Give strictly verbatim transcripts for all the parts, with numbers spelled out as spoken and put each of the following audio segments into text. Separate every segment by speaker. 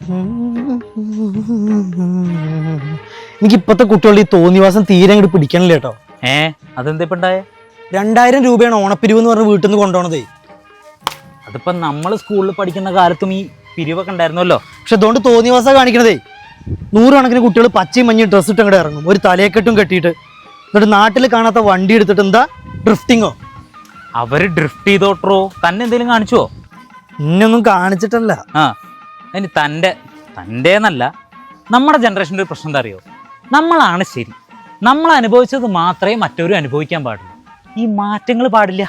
Speaker 1: എനിക്ക് ഇപ്പത്തെ കുട്ടികളുടെ ഈ തോന്നിവാസം തീരെ അങ്ങോട്ട് പിടിക്കണില്ല കേട്ടോ.
Speaker 2: ഏ അതെന്തിപ്പണ്ടായേ?
Speaker 1: രണ്ടായിരം രൂപയാണ് ഓണപ്പിരിവ് എന്ന് പറഞ്ഞ് വീട്ടിൽ നിന്ന് കൊണ്ടുപോണതേ.
Speaker 2: അതിപ്പോ നമ്മൾ സ്കൂളിൽ പഠിക്കുന്ന കാലത്തും ഈ പിരിവൊക്കെ ഉണ്ടായിരുന്നല്ലോ.
Speaker 1: പക്ഷെ അതുകൊണ്ട് തോന്നിവാസം കാണിക്കണതേ. നൂറുകണക്കിന് കുട്ടികൾ പച്ചയും മഞ്ഞയും ഡ്രസ്സ് ഇട്ട് അങ്ങോട്ട് ഇറങ്ങും, ഒരു തലയെക്കെട്ടും കെട്ടിയിട്ട്. എന്നിട്ട് നാട്ടിൽ കാണാത്ത വണ്ടി എടുത്തിട്ട് എന്താ ഡ്രിഫ്റ്റിങ്ങോ?
Speaker 2: അവര് ഡ്രിഫ്റ്റ് ചെയ്തോട്ടോ, തന്നെ എന്തെങ്കിലും കാണിച്ചുവോ?
Speaker 1: ഇന്നൊന്നും കാണിച്ചിട്ടല്ല.
Speaker 2: ആ ഇനി തൻ്റെ തൻ്റെന്നല്ല, നമ്മുടെ ജനറേഷൻ്റെ ഒരു പ്രശ്നം എന്താ അറിയോ? നമ്മളാണ് ശരി, നമ്മൾ അനുഭവിച്ചത് മാത്രമേ മറ്റവരും അനുഭവിക്കാൻ പാടുള്ളൂ. ഈ മാറ്റങ്ങൾ പാടില്ല.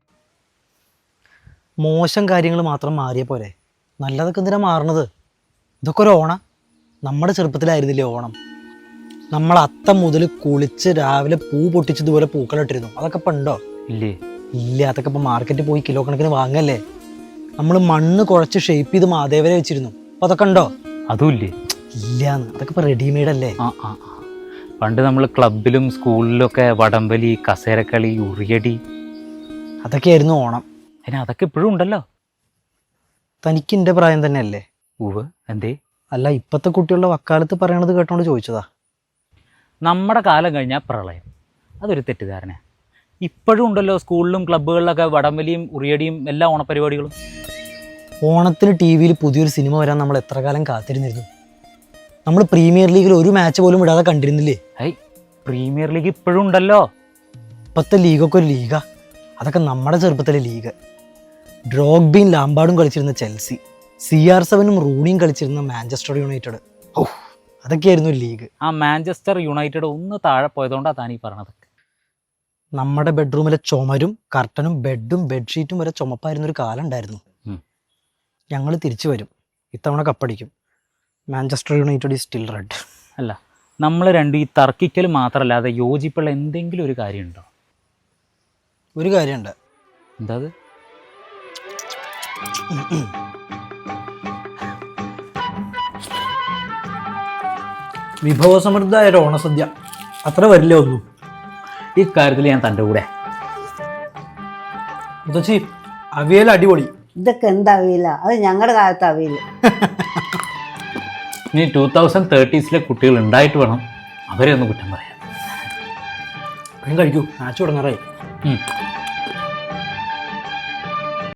Speaker 1: മോശം കാര്യങ്ങൾ മാത്രം മാറിയ പോലെ നല്ലതൊക്കെ എന്തിനാ മാറണത്? ഇതൊക്കെ ഒരു ഓണം. നമ്മുടെ ചെറുപ്പത്തിലായിരുന്നില്ലേ ഓണം? നമ്മൾ അത്തം മുതൽ കുളിച്ച് രാവിലെ പൂ പൊട്ടിച്ചതുപോലെ പൂക്കളിട്ടിരുന്നു. അതൊക്കെ ഇപ്പം ഉണ്ടോ?
Speaker 2: ഇല്ലേ.
Speaker 1: ഇല്ല. അതൊക്കെ ഇപ്പം മാർക്കറ്റിൽ പോയി കിലോ കണക്കിന് വാങ്ങല്ലേ. നമ്മൾ മണ്ണ് കുഴച്ച് ഷേപ്പ് ചെയ്ത് മാതേവരെ വെച്ചിരുന്നു. അപ്പം അതൊക്കെ ഉണ്ടോ?
Speaker 2: അതും ഇല്ലേ.
Speaker 1: ഇല്ലാന്ന്. അതൊക്കെ ഇപ്പം റെഡിമെയ്ഡ് അല്ലേ.
Speaker 2: ആ ആ ആ പണ്ട് നമ്മൾ ക്ലബിലും സ്കൂളിലൊക്കെ വടംവലി, കസേരക്കളി, ഉറിയടി,
Speaker 1: അതൊക്കെയായിരുന്നു ഓണം.
Speaker 2: അതിന് അതൊക്കെ ഇപ്പോഴും ഉണ്ടല്ലോ.
Speaker 1: തനിക്ക് എൻ്റെ പ്രായം തന്നെയല്ലേ?
Speaker 2: ഉവ്. എന്തേ?
Speaker 1: അല്ല, ഇപ്പോഴത്തെ കുട്ടികളുടെ വക്കാലത്ത് പറയണത് കേട്ടോണ്ട് ചോദിച്ചതാ.
Speaker 2: നമ്മുടെ കാലം കഴിഞ്ഞാൽ പ്രളയം, അതൊരു തെറ്റിദ്ധാരണ. ഇപ്പോഴും ഉണ്ടല്ലോ സ്കൂളിലും ക്ലബ്ബുകളിലൊക്കെ വടംവലിയും ഉറിയടിയും എല്ലാ ഓണപരിപാടികളും.
Speaker 1: ഓണത്തിന് ടി വിയിൽ പുതിയൊരു സിനിമ വരാൻ നമ്മൾ എത്ര കാലം കാത്തിരുന്നിരുന്നു. നമ്മൾ പ്രീമിയർ ലീഗിൽ ഒരു മാച്ച് പോലും ഇടാതെ കണ്ടിരുന്നില്ലേ?
Speaker 2: ഐ പ്രീമിയർ ലീഗ് ഇപ്പോഴും ഉണ്ടല്ലോ.
Speaker 1: ഇപ്പോഴത്തെ ലീഗൊക്കെ ഒരു ലീഗാ. അതൊക്കെ നമ്മുടെ ചെറുപ്പത്തിലെ ലീഗ്. ഡ്രോഗ്ബയും ലാംബാർഡും കളിച്ചിരുന്ന ചെൽസി, സി ആർ സെവനും റൂണിയും കളിച്ചിരുന്ന മാഞ്ചസ്റ്റർ യുണൈറ്റഡ്. ഓ, അതൊക്കെയായിരുന്നു ലീഗ്.
Speaker 2: ആ മാഞ്ചസ്റ്റർ യുണൈറ്റഡ് ഒന്ന് താഴെ പോയതുകൊണ്ടാണ് താനീ പറഞ്ഞതൊക്കെ.
Speaker 1: നമ്മുടെ ബെഡ്റൂമിലെ ചുമരും കർട്ടനും ബെഡും ബെഡ്ഷീറ്റും വരെ ചുമപ്പായിരുന്നൊരു കാലം ഉണ്ടായിരുന്നു. ഞങ്ങൾ തിരിച്ചു വരും. ഇത്തവണ കപ്പടിക്കും. Manchester United is still red.
Speaker 2: അല്ല, നമ്മൾ രണ്ടും ഈ തർക്കിക്കൽ മാത്രമല്ലാതെ യോജിപ്പുള്ള എന്തെങ്കിലും ഒരു കാര്യമുണ്ടോ?
Speaker 1: ഒരു കാര്യമുണ്ട്.
Speaker 2: എന്താ അത്?
Speaker 1: വിഭവസമൃദ്ധമായ ഒരു ഓണസദ്യ അത്ര വരില്ല ഒന്നും.
Speaker 2: ഈ കാര്യത്തിൽ ഞാൻ തൻ്റെ കൂടെ.
Speaker 1: മുത്തശ്ശി, അവിയൽ അടിപൊളി.
Speaker 3: ഇതൊക്കെ എന്താ അവിയില്ല? അത് ഞങ്ങളുടെ കാലത്ത് അവിയില്ല.
Speaker 2: ഇനി ടൂ തൗസൻഡ് തേർട്ടീസിലെ കുട്ടികൾ ഉണ്ടായിട്ട് വേണം അവരെ ഒന്ന് കുറ്റം പറയാം.
Speaker 1: കഴിക്കൂ, മാച്ച് തുടങ്ങാറായി.